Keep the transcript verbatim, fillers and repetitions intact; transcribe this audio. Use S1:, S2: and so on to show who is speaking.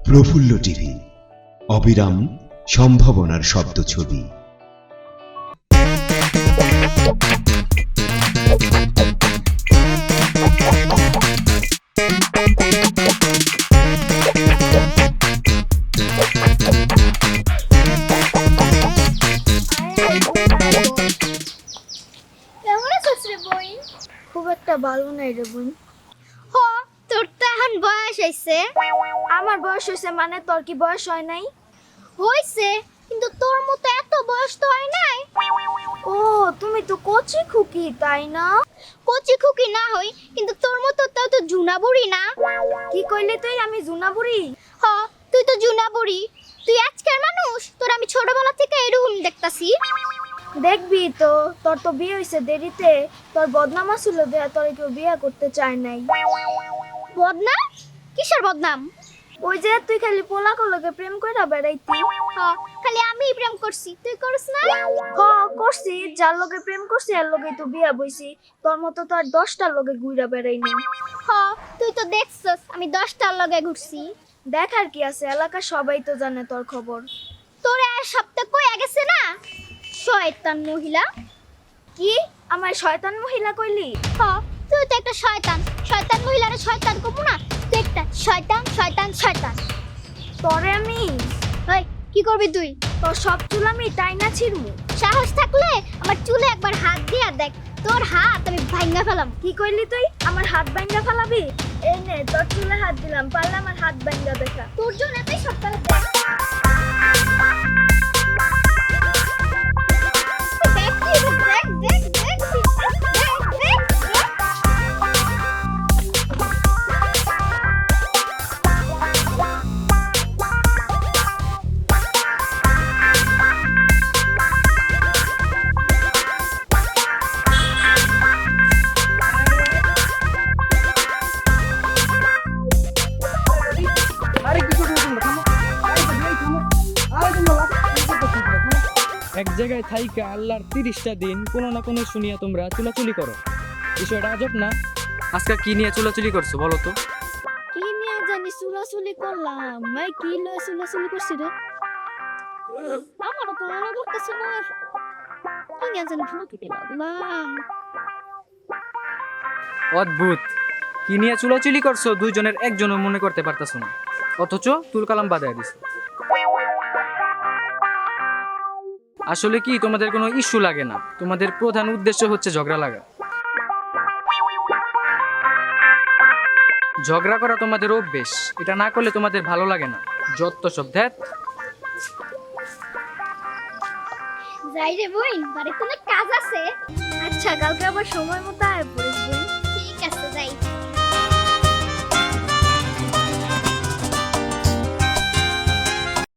S1: প্রফুল্ল TV, অবিরাম সম্ভাবনার শব্দ ছবি।
S2: কেমন আছিস রে বই?
S3: খুব একটা ভালো নাই রে বোন।
S2: হ, তোর তো এখন বয়স হইছে।
S3: আমার বয়স হয়েছে মানে তোর কি বয়স হয় নাই?
S2: হইছে, কিন্তু তোর মতো এত বয়স তো হয় নাই।
S3: ও তুমি তো কচি খুকি তাই না?
S2: কচি খুকি না হই, কিন্তু তোর মতো তাও তো জুনা বুড়ি না।
S3: কি কইলি তুই? আমি জুনা বুড়ি?
S2: হ, তুই তো জুনা বুড়ি। তুই আজকের মানুষ, তোর আমি ছোটবেলা থেকে এরকম দেখতাছি।
S3: দেখবি তো, তোর তো বিয়ে হয়েছে দেরিতে। তোর বদনাম ছিল দেয়া, তোর কেউ বিয়ে করতে চায় নাই।
S2: বদনাম? কিসের বদনাম?
S3: ওই যে তুই খালি পোলাকর লগে প্রেম কইরা বেড়াইতি।
S2: হ, খালি আমি প্রেম করছি, তুই করছ না?
S3: হ করছি, যার লগে প্রেম করছি এর লগে তো বিয়া বইছি। তোর মতো তো আর দশটার লগে ঘুরা বেড়াই নাই।
S2: হ, তুই তো দেখছস আমি দশটার লগে ঘুরছি।
S3: দেখার কি আছে, এলাকার সবাই তো জানে তোর খবর।
S2: তোর আর সপ্তাহ কই গেছে না শয়তান মহিলা।
S3: কি আমার শয়তান মহিলা কইলি?
S2: হ, তুই তো একটা শয়তান। শয়তান মহিলারে শয়তান কমু না, তুই একটা শয়তান শয়তান শয়তান।
S3: তোরে আমি
S2: ওই কি করবি তুই?
S3: তোর সব চুল আমি টাইনা ছিড়মু।
S2: সাহস থাকলে আমার চুলে একবার হাত দিয়া দেখ, তোর হাত আমি ভাঙা ফেলাম।
S3: কি কইলি তুই? আমার হাত ভাঙ্গা ফেলাবি? এই নে তোর চুলে হাত দিলাম, পারলে আমার হাত ভাঙ্গা দেখা।
S2: তোর জন্য এতই সপ্তাহে দেখ দেখ দেখ দেখ দেখ দেখ দেখ।
S4: এক জায়গায় থাইকা আল্লাহর তিরিশটা দিন কোনো না কোনো শুনিয়া তোমরা চুলাচুলি করো। বিষয়টা আজব না?
S5: আজকে কি নিয়ে চুলাচুলি করছো বলো তো?
S3: কি নিয়ে জানি চুলাচুলি করলাম? ভাই কি লয়ে চুলাচুলি করছি রে? আমারও তো মনে করতেছে না। কি নিয়ে জানি চুলাচুলি করলাম?
S5: অদ্ভুত, কি নিয়ে চুলাচুলি করছো দুইজনের একজনও মনে করতে পারতাছো না, অথচ তুল কালাম বাদায় দিছো। আসলে কি তোমাদের কোনো ইস্যু লাগে না? তোমাদের প্রধান উদ্দেশ্য হচ্ছে ঝগড়া লাগা। ঝগড়া করা তোমাদের অভ্যেস, এটা না করলে তোমাদের ভালো লাগে না। যত সব ধ্যাত।
S2: যাই রে বোন, বাড়িতে অনেক কাজ আছে।
S3: আচ্ছা কালকে আবার সময় মতো আয় পড়িস।